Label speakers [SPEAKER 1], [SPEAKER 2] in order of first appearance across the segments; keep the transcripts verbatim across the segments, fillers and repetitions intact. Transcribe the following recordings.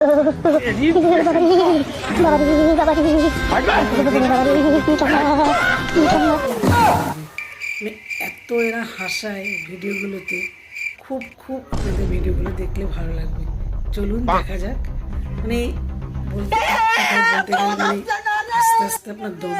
[SPEAKER 1] এত এরা হাসায় ভিডিওগুলোতে, খুব খুব আপনাদের ভিডিওগুলো দেখলে ভালো লাগবে। চলুন দেখা যাক। মানে বলতে বলতে গেলে মানে আস্তে আস্তে আপনার দম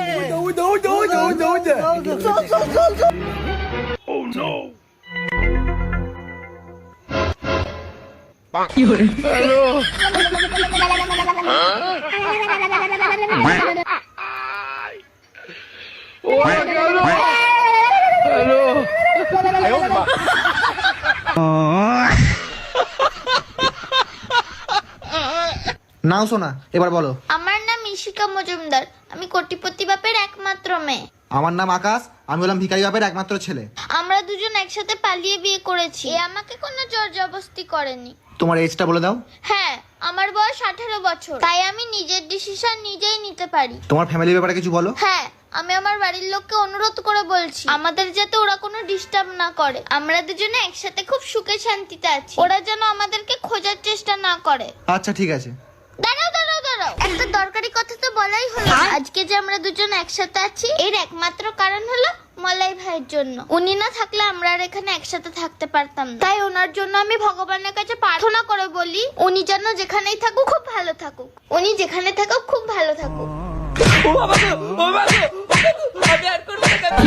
[SPEAKER 2] নাও শোনা, এবার বলো।
[SPEAKER 3] আমার নাম ইশিকা মজুমদার, আমি কোটিপতি বাপের একমাত্র মেয়ে।
[SPEAKER 2] আমার নাম আকাশ, আমি হলাম ভিখারি বাপের একমাত্র ছেলে।
[SPEAKER 3] আমরা দুজন একসাথে পালিয়ে বিয়ে করেছি, এ আমাকে কোনো জোর জবরদস্তি করেনি।
[SPEAKER 2] তোমার এজটা বলে দাও।
[SPEAKER 3] হ্যাঁ, আমার বয়স আঠারো বছর, তাই আমি নিজের ডিসিশন নিজেই নিতে পারি।
[SPEAKER 2] তোমার ফ্যামিলির ব্যাপারে কিছু বলো।
[SPEAKER 3] হ্যাঁ, আমি আমার বাড়ির লোককে অনুরোধ করে বলছি আমাদের যাতে ওরা কোনো ডিস্টার্ব না করে। আমরা দুজনে একসাথে খুব সুখে শান্তিতে আছি, ওরা যেন আমাদেরকে খোঁজার চেষ্টা না করে।
[SPEAKER 2] আচ্ছা ঠিক আছে।
[SPEAKER 3] দাঁড়াও দাঁড়াও দাঁড়াও, একটা দরকারি কথা তো বলাই হলো। আজকে যে আমরা দুজন একসাথে আছি এর একমাত্র কারণ হলো মলাই ভাইয়ের জন্য। উনি না থাকলে আমরা আর এখানে একসাথে থাকতে পারতাম না। তাই ওনার জন্য আমি ভগবানের কাছে প্রার্থনা করে বলি উনি যেন যেখানেই থাকুক খুব ভালো থাকুক, উনি যেখানে থাকুক খুব ভালো থাকুক।
[SPEAKER 4] ও বাবা গো, ও বাবা গো, আমি আর করব না, আমি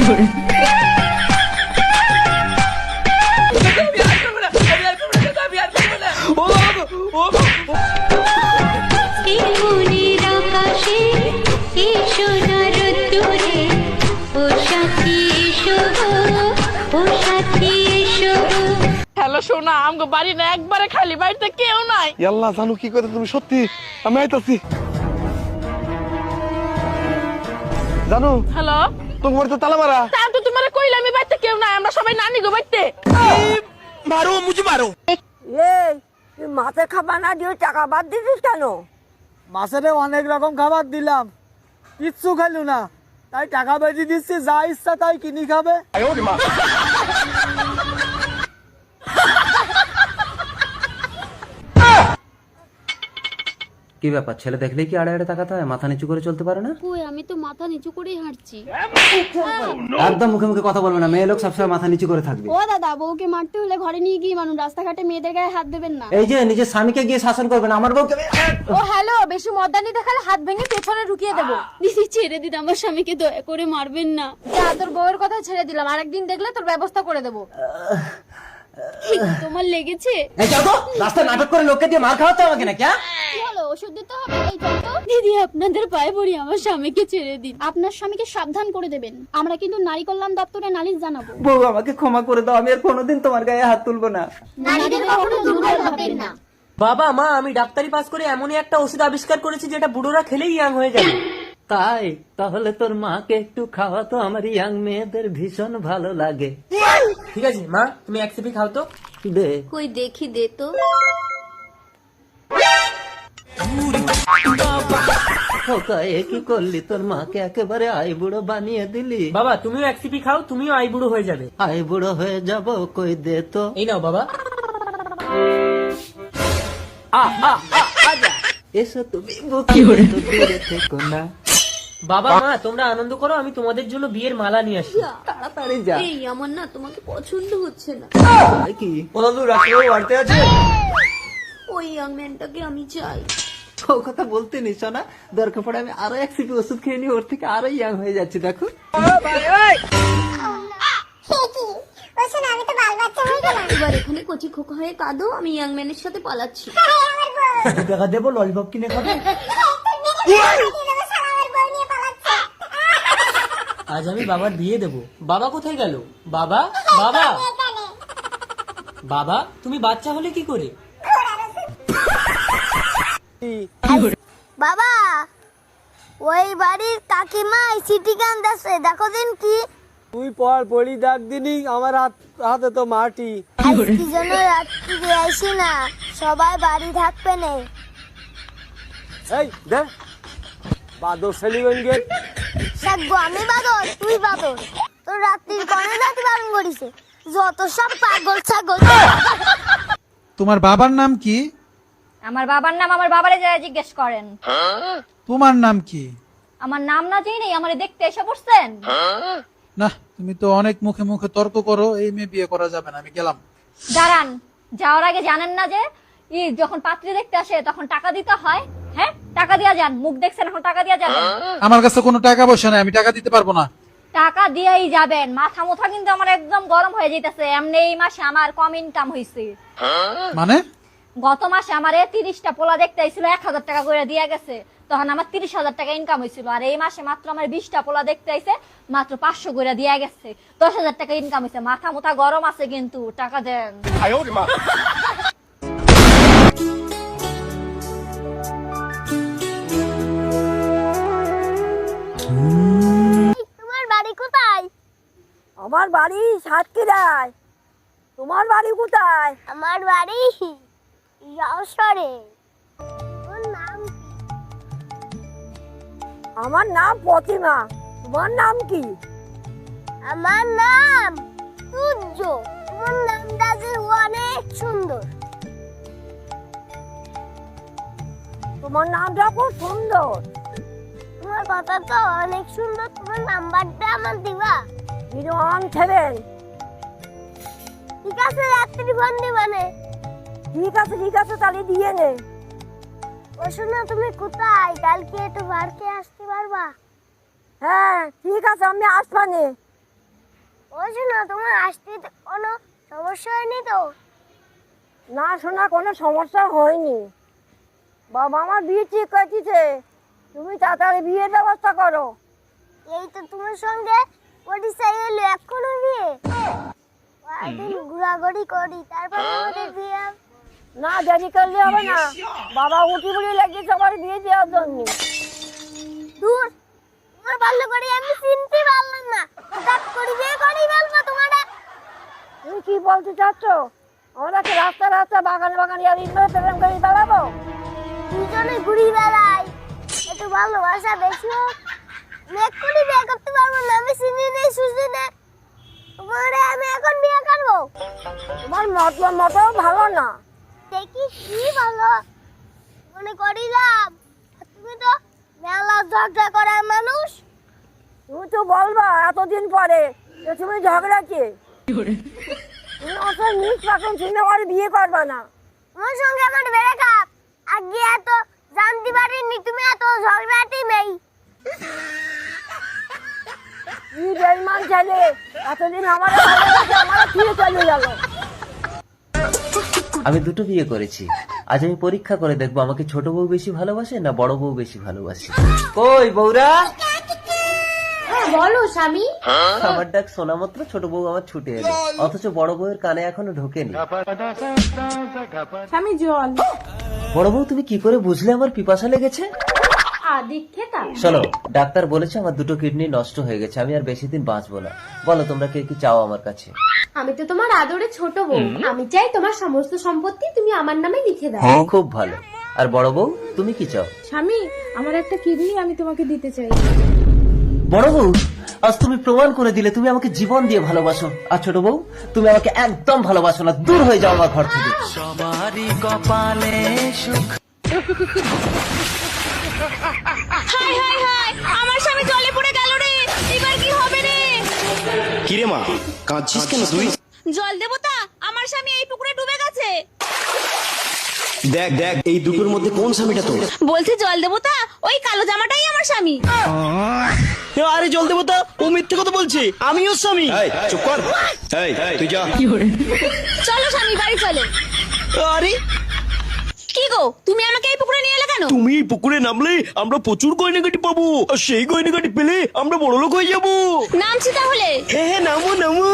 [SPEAKER 4] আর করব না, আমি আর করব না, আমি আর করব না। ও বাবা গো, ও বাবা।
[SPEAKER 5] এই মনের আকাশে এই সোনার দূরে ও সাথী এসো গো, ও সাথী এসো গো।
[SPEAKER 4] হ্যালো সোনা, আমগো বাড়ি না একবারে খালি, বাড়িতে কেউ নাই।
[SPEAKER 6] ইয়াল্লাহ জানু কি কথা, তুমি সত্যি? আমি আইতাছি। জানু,
[SPEAKER 4] হ্যালো,
[SPEAKER 6] তোমার তো তালা মারা।
[SPEAKER 4] তা তো তোমারে কইলাম আমি বাড়িতে কেউ নাই, আমরা সবাই নানি গো বাড়িতে।
[SPEAKER 6] মারো মুঝে মারো।
[SPEAKER 7] এই তুই মাছের খাবার না দিয়ে টাকা বাদ দিছিস কেন?
[SPEAKER 8] মাছেরে অনেক রকম খাবার দিলাম, কিচ্ছু খেলু না, তাই টাকা বেশি দিচ্ছি, যা ইচ্ছা তাই কিনি খাবে।
[SPEAKER 9] কি ব্যাপার, ছেলে দেখলেই কি আড়ে আড়ে তাকাতে হয়? মাথা নিচু করে চলতে পারে না?
[SPEAKER 5] কই, আমি তো মাথা নিচু করেই হাঁটছি।
[SPEAKER 9] একদম মুখে মুখে কথা বলবে না, মেয়ে লোক সবসময় মাথা নিচু করে থাকবে।
[SPEAKER 5] ও দাদা, বউকে মারতে হলে ঘরে নিয়ে গিয়ে মানুষ, রাস্তাঘাটে মেয়েদের গায়ে হাত দেবেন না।
[SPEAKER 9] এই যে নিজের স্বামীকে গিয়ে শাসন করবে না, আমার বউকে।
[SPEAKER 5] ও হ্যালো, বেশি মর্দানি দেখালে হাত ভেঙে পেছনে ঢুকিয়ে দেবো। দিদি ছেড়ে দিন, আমার স্বামীকে দয়া করে মারবেন না। যা, তোর বউয়ের কথা ছেড়ে দিলাম, আরেকদিন দেখলে তোর ব্যবস্থা করে দেবো। তোমার লেগেছে?
[SPEAKER 9] এই যাও তো, রাস্তায় নাটক করে লোককে দিয়ে মার খাওয়াতে আমাকে না?
[SPEAKER 5] কি হলো, ওষুধ দিতে হবে? এই চল তো। দিদি আপনাদের পায়ে পড়ি, আমার স্বামীকে ছেড়ে দিন। আপনার স্বামীকে সাবধান করে দেবেন, আমরা কিন্তু নারী কল্যাণ দপ্তরে নালিশ জানাবো।
[SPEAKER 9] বউ আমাকে ক্ষমা করে দাও, আমি আর কোনোদিন তোমার গায়ে হাত তুলবো না।
[SPEAKER 5] নারীদের কখনো দুর্বল ভাবেন না।
[SPEAKER 4] বাবা মা, আমি ডাক্তারি পাস করে এমনই একটা ওষুধ আবিষ্কার করেছি যেটা বুড়োরা খেলেই ইয়াং হয়ে যাবে।
[SPEAKER 9] তাই তাহলে তোর মাকে একটু খাওয়াতো, আমার ইয়াং মেয়েদের ভীষণ ভালো লাগে।
[SPEAKER 4] ঠিক আছে মা, তুমি এক সিপি খাও তো।
[SPEAKER 9] দে
[SPEAKER 5] কই দেখি, দে তো।
[SPEAKER 9] কি করলি, তোর মাকে একেবারে আই বুড়ো বানিয়ে দিলি।
[SPEAKER 4] বাবা তুমিও এক সিপি খাও, তুমিও আই বুড়ো হয়ে যাবে।
[SPEAKER 9] আই বুড়ো হয়ে যাব, কই দে তো।
[SPEAKER 4] এই নাও বাবা। আ আ আ আজা
[SPEAKER 9] এসো তুমি দূরে থেকো না।
[SPEAKER 4] বাবা মা তোমরা আনন্দ করো, আমি তোমাদের জন্য বিয়ের মালা নিয়ে আসি।
[SPEAKER 9] তাড়াতাড়ি যা।
[SPEAKER 5] এই আমার না তোমাকে পছন্দ হচ্ছে না।
[SPEAKER 9] কি ওরা তো রাখতে বাড়তে আছে।
[SPEAKER 5] ওই ইয়াং ম্যানটাকে আমি চাই।
[SPEAKER 9] ও কথা বলতে নিছো না, দরকার পড়ে আমি আরো এক সিপি ওষুধ খেয়ে নি, ওর থেকে আরো ইয়াং হয়ে যাচ্ছে। দেখো
[SPEAKER 5] এবার এখানে কচি খোকা হয়ে কাঁদো, আমি ইয়াং ম্যানের সাথে পালাচ্ছি।
[SPEAKER 9] টাকা দেবো, ললিপপ কিনে খাবে।
[SPEAKER 4] আজ আমি বাবার বিয়ে দেবো। বাবা কোথায় গেল? বাবা বাবা বাবা, তুমি বাচ্চা হলে কি করে?
[SPEAKER 3] বাবা, ওই বাড়ির কাকিমা সিটি গান দাসে দেখো দিন কি।
[SPEAKER 8] তুই পর পড়ি ডাক দিনি, আমার হাত হাতে তো মাটি।
[SPEAKER 3] কি জন্য রাত্রি আসি না, সবাই বাড়ি থাকবে না।
[SPEAKER 8] এই দে বাদর সেলিগন গেট।
[SPEAKER 3] সাগো আমি বাদর, তুই বাদর। তোর রাত্রির কনে রাতি বারণ করিছে, যত সব পাগল ছাগল।
[SPEAKER 10] তোমার বাবার নাম কি?
[SPEAKER 5] আমার বাবার নাম আমার বাবারে যারা জিজ্ঞেস করেন।
[SPEAKER 8] তোমার নাম কি?
[SPEAKER 5] আমার নাম না জেনে আমারে দেখতে এসে পড়ছেন?
[SPEAKER 8] না, তুমি তো অনেক মুখে মুখে তর্ক করো, এই মেয়ে বিয়ে করা যাবে না, আমি গেলাম।
[SPEAKER 5] দাঁড়ান, যাওয়ার আগে জানেন না যে ই যখন পাত্রী দেখতে আসে তখন টাকা দিতে হয়? হ্যাঁ, টাকা দিয়া যান। মুখ দেখছেন, এখন টাকা দিয়া যাবেন।
[SPEAKER 8] আমার কাছে কোনো টাকা পয়সা নাই, আমি টাকা দিতে পারবো না।
[SPEAKER 5] টাকা দিয়েই যাবেন। মাথা মুথা কিন্তু আমার একদম গরম হয়ে যাইতেছে। এমনি এই মাসে আমার কম ইনকাম হয়েছে।
[SPEAKER 8] মানে?
[SPEAKER 5] গত মাসে আমার তিরিশটা পোলা দেখতে আইছিল, এক হাজার টাকা করে দিয়ে গেছে, তখন আমার তিরিশ হাজার টাকা ইনকাম হয়েছিল। আর এই মাসে মাত্র আমার বিশটা পোলা দেখতে আইছে, মাত্র পাঁচশো করে দিয়ে গেছে, দশ হাজার টাকা ইনকাম হয়েছে। মাথা মুথা গরম আছে কিন্তু, টাকা দেন।
[SPEAKER 3] তোমার বাড়ি কোথায়?
[SPEAKER 7] আমার বাড়ি সাতক্ষীরায়। তোমার বাড়ি কোথায়?
[SPEAKER 3] আমার বাড়ি যশোরে। তোর নাম কি?
[SPEAKER 7] আমার নাম প্রতিমা। তোমার নাম কি?
[SPEAKER 3] আমার নাম সূর্য। তোমার নামটা যে অনেক সুন্দর।
[SPEAKER 7] তোমার নামটা খুব সুন্দর।
[SPEAKER 3] তোমার কথা তো অনেক সুন্দর। তোমার নাম্বারটা আমার দিবা?
[SPEAKER 7] Zero one seven.
[SPEAKER 3] ঠিক আছে, রাত্রি ফোন দিবানে।
[SPEAKER 7] ঠিক আছে ঠিক আছে, তাহলে দিয়ে নে।
[SPEAKER 3] ও শোনো, তুমি কোথায়? কালকে একটু বাড়িতে আসতে পারবা?
[SPEAKER 7] হ্যাঁ ঠিক আছে, আমি আসবানে।
[SPEAKER 3] ও শোনো, তোমার আসতে তো কোনো সমস্যা হয়নি তো?
[SPEAKER 7] না শোনা, কোনো সমস্যা হয়নি। বাবা আমার বিয়ে ঠিক করেছে, তুমি তাড়াতাড়ি বিয়ের ব্যবস্থা করো।
[SPEAKER 3] এই তো তোমার সঙ্গে পরিচয় এলো, এখনো বিয়ে? কয়েকদিন ঘোরাঘুরি করি, তারপরে আমাদের বিয়ে।
[SPEAKER 7] না দেরি করলে হবে না, বাবা উঠি বলে লেগেছে আমার বিয়ে দেওয়ার জন্য।
[SPEAKER 3] দূর, তোমার ভালো করে আমি চিনতে পারলাম না। হঠাৎ করে বিয়ে করি বলবো তোমারে?
[SPEAKER 7] তুমি কি বলতে চাচ্ছ? আমরা কি রাস্তা রাস্তা বাগানে বাগানে আর ইনভার প্রেম করে বেড়াবো?
[SPEAKER 3] দুজনে ঘুরি বেড়াই, একটু ভালোবাসা বেশি হোক। আমি এক্ষুনি বিয়ে করতে পারবো না, আমি চিনি নেই সুজি নেই। তোমারে আমি এখন বিয়ে করবো?
[SPEAKER 7] তোমার মতলব মতো ভালো না।
[SPEAKER 3] দেখি কি ভালো মনে করিলাম, তুমি তো মেলা ঝগড়া করার মানুষ।
[SPEAKER 7] তুমি তো বলবা এতদিন পরে যে তুমি ঝগড়াচ্ছে। তুমি অত নিজ রাখুন, তুমি আমার বিয়ে করবা না।
[SPEAKER 3] তোমার সঙ্গে আমার বেড়ে খাপ আগে এত জানতে পারিনি তুমি এত ঝগড়াটি নেই।
[SPEAKER 7] কি বেইমান ছেলে, এতদিন আমার ভালোবাসে আমার ফিরে চলে গেল।
[SPEAKER 9] আমি দুটো বিয়ে করেছি, আজ আমি পরীক্ষা করে দেখবো আমাকে ছোট বউ বেশি ভালোবাসে না বড় বউ বেশি ভালোবাসে। কই বউরা?
[SPEAKER 5] বলো স্বামী।
[SPEAKER 9] আমার ডাক শোনা মাত্র ছোট বউ আমার ছুটে এলো, অথচ বড় বউয়ের কানে এখনো ঢোকেনি।
[SPEAKER 5] স্বামী জল।
[SPEAKER 9] বড় বউ তুমি কি করে বুঝলে আমার পিপাসা লেগেছে?
[SPEAKER 5] আদিক্ষেতা।
[SPEAKER 9] শোনো, ডাক্তার বলেছে আমার দুটো কিডনি নষ্ট হয়ে গেছে, আমি আর বেশি দিন বাঁচবো না। বলো তোমরা কে কি চাও আমার কাছে?
[SPEAKER 5] আমি তো তোমার আদরে ছোট বউ, আমি চাই তোমার সমস্ত সম্পত্তি তুমি আমার নামে লিখে দাও।
[SPEAKER 9] খুব ভালো। আর বড় বউ তুমি কি চাও?
[SPEAKER 5] স্বামী, আমার একটা কিডনি আমি তোমাকে দিতে চাই।
[SPEAKER 9] বড় বউ, আজ তুমি প্রমাণ করে দিলে তুমি আমাকে জীবন দিয়ে ভালোবাসো। আর ছোট বউ, তুমি আমাকে একদম ভালোবাসো না, দূর হয়ে যাও আমার ঘর থেকে। সবারই কপালে সুখ।
[SPEAKER 5] হাই হাই হাই, আমার স্বামী জলে পড়ে গেল রে, এবার কি হবে রে?
[SPEAKER 6] কিরে মা, কাঁদছিস কেন তুই?
[SPEAKER 5] জল দেবতা, আমার স্বামী এই পুকুরে ডুবে গেছে।
[SPEAKER 6] দেখ দেখ, এই দুটোর মধ্যে কোন স্বামীটা তোর?
[SPEAKER 5] বলছে জল দেবতা, ওই কালো জামাটাই আমার স্বামী।
[SPEAKER 6] আরে জল দেবতা, ও মিথ্যে কথা বলছে, আমি ওর স্বামী। এই চুপ কর, এই তুই যা।
[SPEAKER 5] চলো স্বামী, বাড়ি চলো।
[SPEAKER 6] আরে
[SPEAKER 5] কি গো, তুমি আমাকে এই পুকুরে নিয়ে এলে কেন?
[SPEAKER 6] তুমি এই পুকুরে নামলে আমরা প্রচুর গয়নাগাটি পাবো, আর সেই গয়নাগাটি পেলে আমরা বড়লোক হয়ে যাবো।
[SPEAKER 5] নামছি তাহলে।
[SPEAKER 6] হ্যাঁ হ্যাঁ, নামো নামো,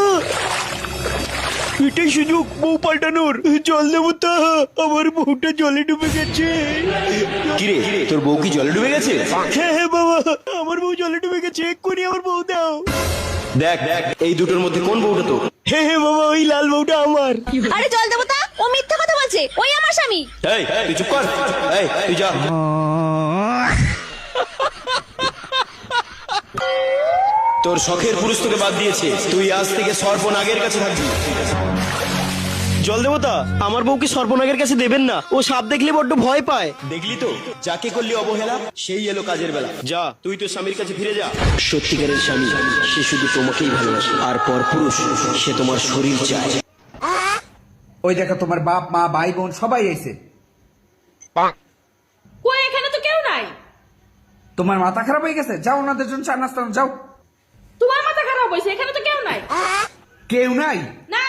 [SPEAKER 6] এটাই সুযোগ বউ পাল্টানোর। জল দেবতা, আমার বউটা জলে ডুবে গেছে। কিরে, তোর বউ কি জলে ডুবে গেছে? হ্যাঁ হ্যাঁ বাবা, আমার বউ জলে ডুবে গেছে, এক্ষুনি আমার বউ দাও। দেখ দেখ, এই দুটোর মধ্যে কোন বউটা তো? হ্যাঁ হ্যাঁ বাবা, ওই লাল বউটা আমার।
[SPEAKER 5] আরে জল দেবতা, ও মিথ্যা কথা বলছে, ওই আমার স্বামী।
[SPEAKER 6] এই তুই চুপ কর, এই তুই যা। তোর শখের পুরুষ তোকে বাদ দিয়েছে, তুই আজ থেকে সর্বনাগের কাছে থাকবি। জল দেবতা আমার বউকে সর্বনাগের কাছে দেবেন না, ও সাপ দেখলে বড্ড ভয় পায়। দেখলি তো যাকে করলি অবহেলা সেই এলো কাজের বেলা। যা তুই তো স্বামীর কাছে ফিরে যা। সত্যিকারের স্বামী সে শুধু তোমাকেই ভালোবাসে, আর পরপুরুষ সে তোমার শরীর চায়।
[SPEAKER 10] ওই দেখো তোমার বাপ মা ভাই বোন সবাই এসে।
[SPEAKER 11] কই এখানে তো কেউ নাই।
[SPEAKER 10] তোমার মাথা খারাপ হয়ে গেছে, যাও ওনাদের জন্য চা নাস্তা যাও।
[SPEAKER 11] তোমার মাথা খারাপ হয়েছে, এখানে তো কেউ নাই।
[SPEAKER 10] কেউ নাই?
[SPEAKER 11] না।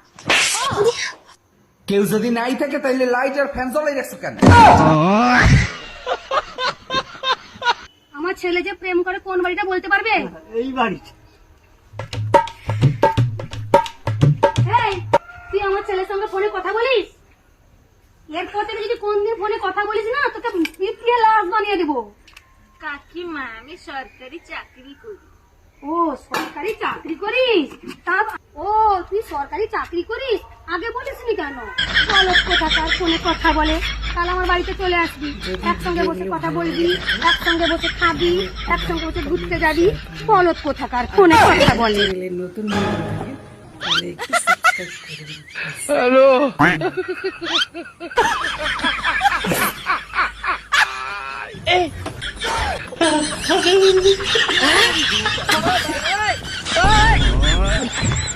[SPEAKER 10] কেউ যদি নাই থাকে তাহলে লাইট আর ফ্যান জ্বলাই রাখছো কেন?
[SPEAKER 5] আমার ছেলে যে প্রেম করে কোন বাড়িটা বলতে পারবে?
[SPEAKER 8] এই বাড়ি।
[SPEAKER 5] এই, তুই আমার ছেলের সঙ্গে ফোনে কথা বলিস? এরপর থেকে যদি কোনদিন ফোনে কথা বলিস না, তোকে পিটিয়ে লাশ বানিয়ে দেবো। কাকিমা, আমি সরকারি চাকরি করি। ও সরকারি চাকরি করিস? তা ও তুই সরকারি চাকরি করিস, আগে বলিসনি কেন? বলো কোথাকার ফোনে কথা বলে, কাল আমার বাড়িতে চলে আসবি, একসঙ্গে বসে কথা বলবি, একসঙ্গে বসে খাবি, একসঙ্গে বসে ঘুরতে যাবি। বলো কোথাকার ফোনে কথা বলে।
[SPEAKER 1] নতুন বন্ধু থাকে তাহলে একটু সাবস্ক্রাইব করে দিন।
[SPEAKER 6] হ্যালো